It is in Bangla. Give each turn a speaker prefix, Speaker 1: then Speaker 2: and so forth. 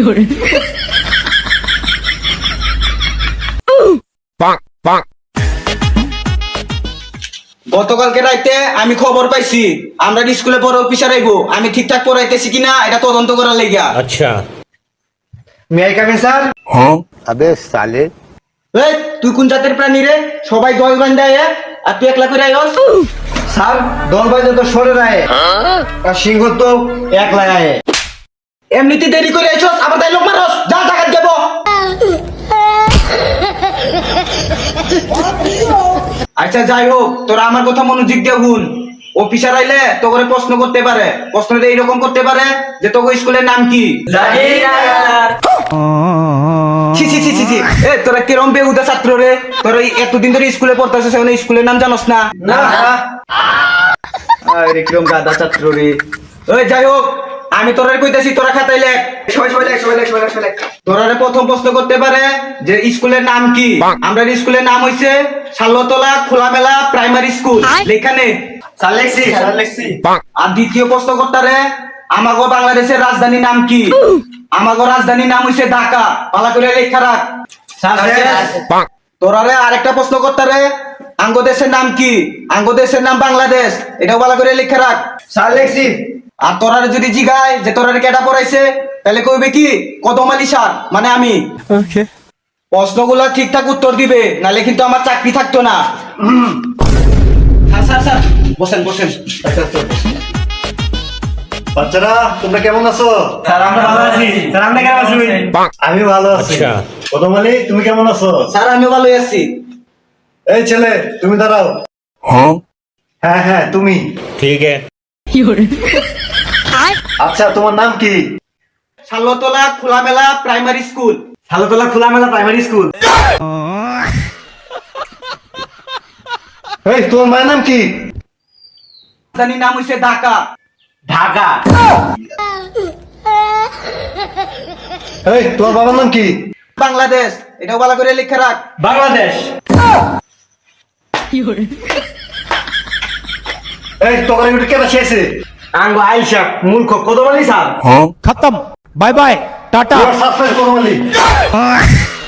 Speaker 1: গতকালকে রাইতে আমি খবর পাইছি আমরা স্কুলে বড় অফিসার আইবো। আমি ঠিকঠাক পড়াইতেছি কিনা এটা তদন্ত করার লাগিয়া।
Speaker 2: আচ্ছা,
Speaker 1: may I come in sir?
Speaker 3: अबे साले
Speaker 1: এই তুই কোন জাতের প্রাণী রে? সবাই দল বান্ধা আয় আর তুই একলা করে আইস?
Speaker 4: স্যার দল বাইরে তো সরে রায় আর সিংহ তো একলা আয়।
Speaker 1: এমনিতে দেরি করে আইছস আবার তাই লোক মারস। যা টাকা দেব। আচ্ছা যাই হোক, তোরা আমার কথা মনোযোগ দিয়ে শুন। অফিসার আইলে তোকে প্রশ্ন করতে পারে। প্রশ্নটা এইরকম করতে পারে যে তোকে স্কুলের নাম কি? জানি না। ছি ছি ছি ছি ছি, এ তোরা কিরম বেহুদা ছাত্র রে? তোরা এতদিন ধরে স্কুলে পড়তেছিস, এখন স্কুলের নাম জানোস না?
Speaker 4: না
Speaker 1: আরে কিরম গাদা ছাত্র রে। ওই যাই হোক, আমি তোরা কইতাছি তোরা খাতায় লেখ।
Speaker 4: সবাই লেখ।
Speaker 1: তোরারে প্রথম প্রশ্ন করতে পারে যে স্কুলের নাম কি? আমরা স্কুলের নাম হইছে শালতলা খোলামেলা প্রাইমারি স্কুল। লেখানে
Speaker 4: স্যার লেখছি।
Speaker 1: আর দ্বিতীয় প্রশ্ন করতারে আমাগো বাংলাদেশের রাজধানীর নাম কি? আমাগো রাজধানীর নাম হইছে ঢাকা। পালা করে লেখা রাখ। তোরারে আরেকটা প্রশ্ন করতারে আঙ্গো দেশের নাম কি? আঙ্গো দেশের নাম বাংলাদেশ। এটাও পালা করে লেখা রাখ।
Speaker 4: স্যার লেখছি।
Speaker 1: আর তোরারে যদি জিগায় যে তোরারে কেটা পড়াইছে, তাহলে কইবে কি কদম আলী স্যার, মানে আমি। প্রশ্নগুলো ঠিকঠাক উত্তর দিবে, নালে কিন্তু আমার চাকরি থাকতো না। স্যার স্যার বসেন বসেন।
Speaker 4: বাচ্চারা তোমরা কেমন আছো?
Speaker 1: স্যার আমরা ভালো আছি।
Speaker 4: স্যার আপনি কেমন আছেন? আমি ভালো আছি।
Speaker 2: আচ্ছা।
Speaker 4: কদমালি তুমি কেমন আছো?
Speaker 1: স্যার আমি ভালোই আছি।
Speaker 4: এই ছেলে তুমি দাঁড়াও। হ্যাঁ তুমি।
Speaker 2: ठीक है।
Speaker 4: আচ্ছা তোমার নাম কি?
Speaker 1: Shaltala Kholamela primary school.
Speaker 4: Shaltala Kholamela primary school. এই তোমার মায়ের নাম কি?
Speaker 1: রাজধানীর নাম হইছে ঢাকা।
Speaker 4: ঢাকা। এই তোমার বাবার নাম কি?
Speaker 1: বাংলাদেশ। এটাও ভালো করে লিখে রাখ।
Speaker 4: বাংলাদেশ। এই তোমার এটা কেন শেষে? আঙ্গো আইসা মূর্খ কদমালি স্যার।
Speaker 3: खत्म बाय बाय टाटा
Speaker 4: সাবস্ক্রাইব কদমালি।